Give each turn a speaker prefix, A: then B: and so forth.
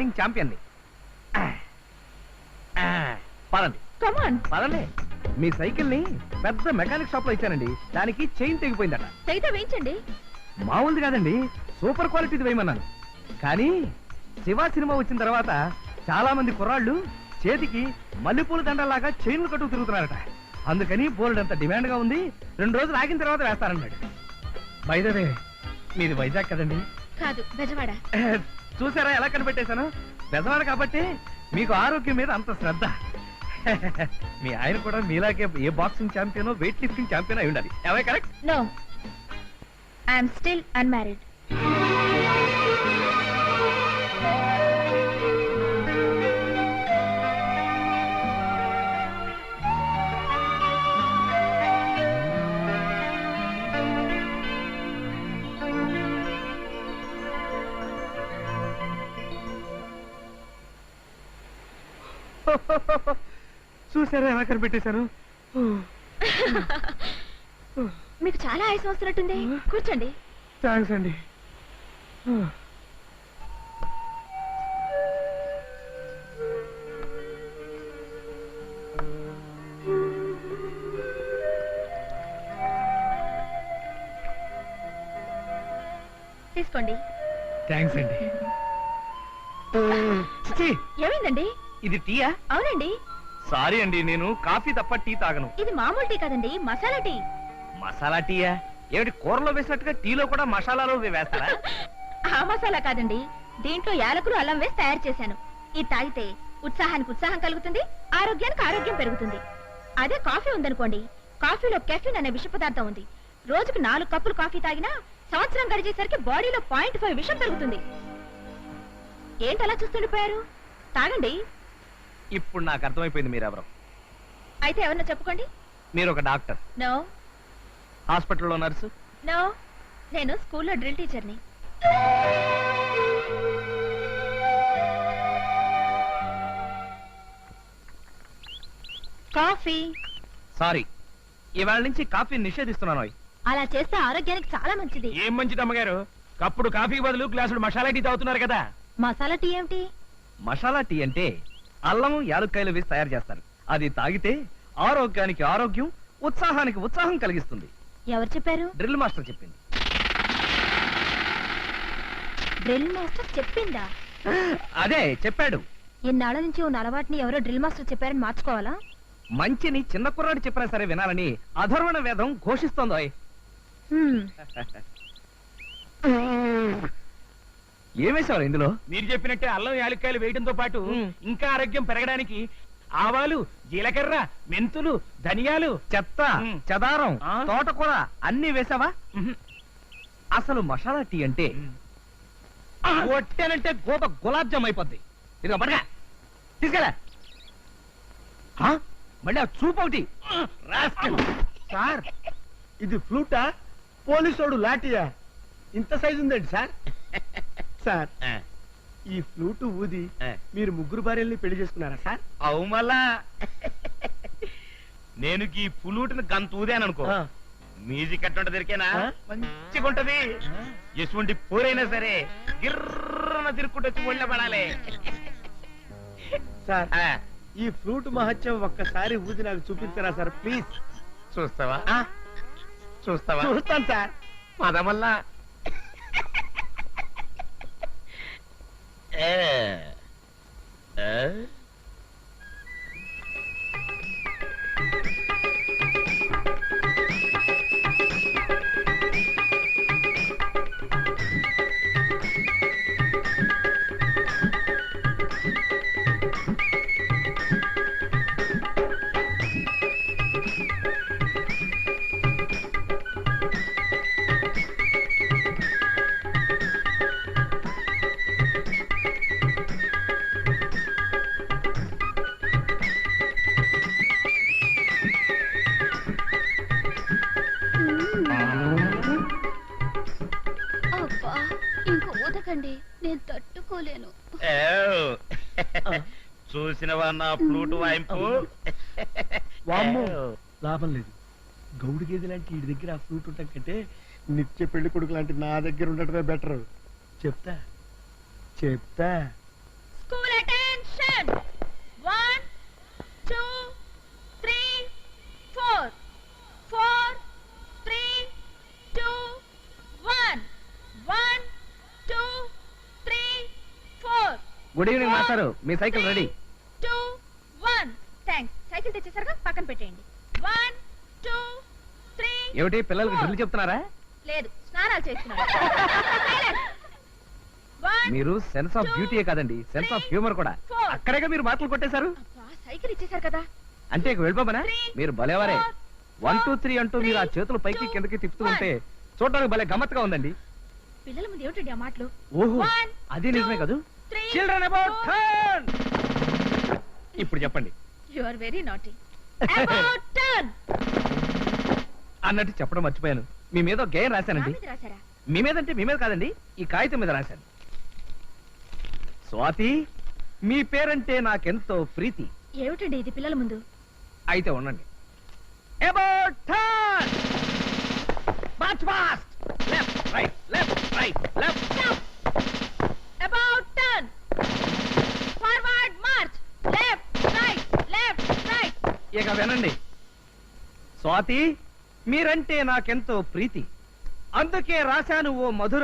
A: Running ఛాంపియన్ని. పదండి పదండి. మీ cycle ని పెద్ద మెకానిక్ షాప్ లో ఇచ్చానండి. దానికి చైన్ తెగిపోయిందట.
B: వేయించండి.
A: మామూలుది కాదండి, సూపర్ క్వాలిటీది వేయమన్నాను. కానీ శివ సినిమా వచ్చిన తర్వాత చాలా మంది కుర్రాళ్ళు చేతికి మల్లెపూల దండలాగా చైన్లు కట్టుకు తిరుగుతున్నారట. అందుకని బోల్డ్ అంత డిమాండ్ గా ఉంది. 2 రోజులు ఆగిన తర్వాత వేస్తారన్నాడు. బై ద వే, మీది వైజాగ్ కదండి?
B: కాదు, బెజవాడ.
A: చూసారా ఎలా కనిపెట్టేశాను? బెజవాడ కాబట్టి మీకు ఆరోగ్యం మీద అంత శ్రద్ధ. మీ ఆయన కూడా మీలాగే a boxing champion, weightlifting champion అయి ఉండాలి. ఎవై correct?
B: No, I'm still unmarried.
A: చూసారా ఎలా కనిపెట్టేశాను?
B: మీకు చాలా ఆయాసం వస్తున్నట్టుంది. కూర్చోండి.
A: థ్యాంక్స్ అండి.
B: తీసుకోండి.
A: థ్యాంక్స్ అండి.
B: ఏమైందండి?
A: ఇది టీయా?
B: అవునండి.
A: సారీ అండి, నేను కాఫీ తప్ప టీ తాగను.
B: ఇది మామూలు టీ కాదండి, మసాలా టీ.
A: మసాలా టీయా? ఏమిటి, కూరలో వేసినట్టుగా టీలో కూడా మసాలాలో వేస్తారా?
B: ఆ మసాలా కాదండి, దీంట్లో యాలకులు, అల్లం వేసి తయారు చేశాను. ఇది తాగితే ఉత్సాహానికి ఉత్సాహం కలుగుతుంది, ఆరోగ్యానికి ఆరోగ్యం పెరుగుతుంది. అదే కాఫీ ఉందనుకోండి, కాఫీలో కెఫిన్ అనే విష పదార్థం ఉంది. రోజుకు 4 కప్పులు కాఫీ తాగినా సంవత్సరం గడిచేసరికి బాడీలో 0.5 విషం పెరుగుతుంది. ఏంటలా చూస్తుండిపోయారు? తాగండి.
A: ఇప్పుడు నాకు అర్థమైపోయింది మీరెవరు.
B: అయితే ఎవరన్నా చెప్పుకోండి.
A: మీరు ఒక డాక్టర్?
B: నో.
A: హాస్పిటల్లో నర్సు?
B: నో, నేను స్కూల్లో డ్రిల్ టీచర్ని. కాఫీ.
A: సారీ, ఇవాళ నుంచి కాఫీ నిషేధిస్తున్నాను.
B: అలా చేస్తే ఆరోగ్యానికి చాలా మంచిది.
C: ఏం మంచిది అమ్మగారు? కప్పుడు కాఫీ బదులు గ్లాసుడు మసాలా టీ తాగుతున్నారు కదా.
B: మసాలా టీ ఏమిటి?
A: మసాలా టీ అంటే అల్లం, యాలుక్కాయలు వేసి తయారు చేస్తారు. అది తాగితే ఆరోగ్యానికి ఆరోగ్యం, ఉత్సాహానికి ఉత్సాహం కలిగిస్తుంది.
B: ఎవరు చెప్పారు?
A: డ్రిల్ మాస్టర్ చెప్పింది.
B: డ్రిల్ మాస్టర్ చెప్పిందా?
A: అదే చెప్పాడు.
B: ఇన్నాళ్ళ నుంచి ఉన్న అలవాటుని ఎవరో డ్రిల్ మాస్టర్ చెప్పారని మార్చుకోవాలా?
A: మంచిని చిన్న కుర్రాడు చెప్పినా సరే వినాలని అధర్వణ వేదం ఘోషిస్తోందో. ఏమేశారు ఇందులో?
C: మీరు చెప్పినట్టే అల్లం యాలక్కాయలు వేయడంతో పాటు ఇంకా ఆరోగ్యం పెరగడానికి ఆవాలు, జీలకర్ర, మెంతులు, ధనియాలు,
A: చెత్త, చెదారం, తోటకూర అన్ని వేసావా? అసలు మసాలా టీ అంటే కొట్టానంటే గోప గులాబ్ జామ్ అయిపోద్ది. ఇదిగో పడగా తీసుకెళ్ళా. మళ్ళీ ఆ చూపు ఒకటి.
D: సార్, ఇది ఫ్లూటా, పోలీసోడు లాఠీయా? ఇంత సైజు ఉందండి సార్. సార్, ఈ ఫ్లూటు ఊది మీరు 3 భార్యల్ని పెళ్లి చేసుకున్నారా సార్?
A: అవు మళ్ళా నేను ఈ పులూటిని గంత ఊదాను అనుకో, మ్యూజిక్ ఎట్టుంట దొరికేనా మంచిగా ఉంటది. ఎటువంటి పోరైనా సరే గిర్రన తిరుక్కుంటూ వచ్చి ఒళ్ళ పడాలి.
D: సార్, ఈ ఫ్లూట్ మహత్యం ఒక్కసారి ఊది నాకు చూపించరా సార్ ప్లీజ్?
A: చూస్తావా? చూస్తావా?
D: చూస్తాను సార్.
A: పదమల్లా
B: నేను తట్టుకోలేను.
A: చూసినవా నా ఫ్లూట్ వాయింపు?
D: లాభం లేదు. గౌడు గేది లాంటి వీడి దగ్గర ఆ ఫ్లూట్ ఉండటం కంటే నిత్య పెళ్లి కొడుకు లాంటి నా దగ్గర ఉండటమే బెటర్. చెప్తా చెప్తా
A: గుడ్ ఈవినింగ్ మాస్టారు, మీ సైకిల్ రెడీ.
B: 2 1 థాంక్స్. సైకిల్ తెచ్చేసరిగా పక్కన పెట్టేయండి. 1 2 3
A: ఏమిటి పిల్లలకి డ్రిల్ చెప్తున్నారా?
B: లేదు, స్నానాలు చేస్తున్నారు.
A: మీరు సెన్స్ ఆఫ్ బ్యూటీయే కాదండి, సెన్స్ ఆఫ్ హ్యూమర్ కూడా. అక్కడేగా మీరు మాటలు కొట్టేశారు.
B: సైకిల్ ఇచ్చేసారు కదా.
A: అంటే ఇక వెళ్ళిపోమనా? మీరు భలేవారే. 1 2 3 అంటూ మీరు ఆ చేతులు పైకి కిందకి తిప్పుతూ ఉంటే చూడడానికి భలే గమ్మత్తుగా ఉందండి.
B: పిల్లల ముందు ఏమిటండి ఆ మాటలు?
A: ఓహో, అది నిజమే కదూ. Children about turn. ఇప్పుడు చెప్పండి.
B: You are very naughty. About turn
A: అన్నట్టు చెప్పడం మర్చిపోయాను. మీ మీద ఒక గేయం రాశానండి.
B: రాసారా?
A: మీ మీద అంటే మీ మీద కాదండి, ఈ కాగితం మీద రాశాను. స్వాతి, మీ పేరంటే నాకెంతో ప్రీతి.
B: ఏమిటండి ఇది పిల్లల ముందు?
A: అయితే ఉండండి. About turn. March fast. Left right left right left.
B: About turn. Forward march. Left right.
A: ఇక వినండి. స్వాతి, మీరంటే నాకెంతో ప్రీతి, అందుకే రాశాను ఓ మధుర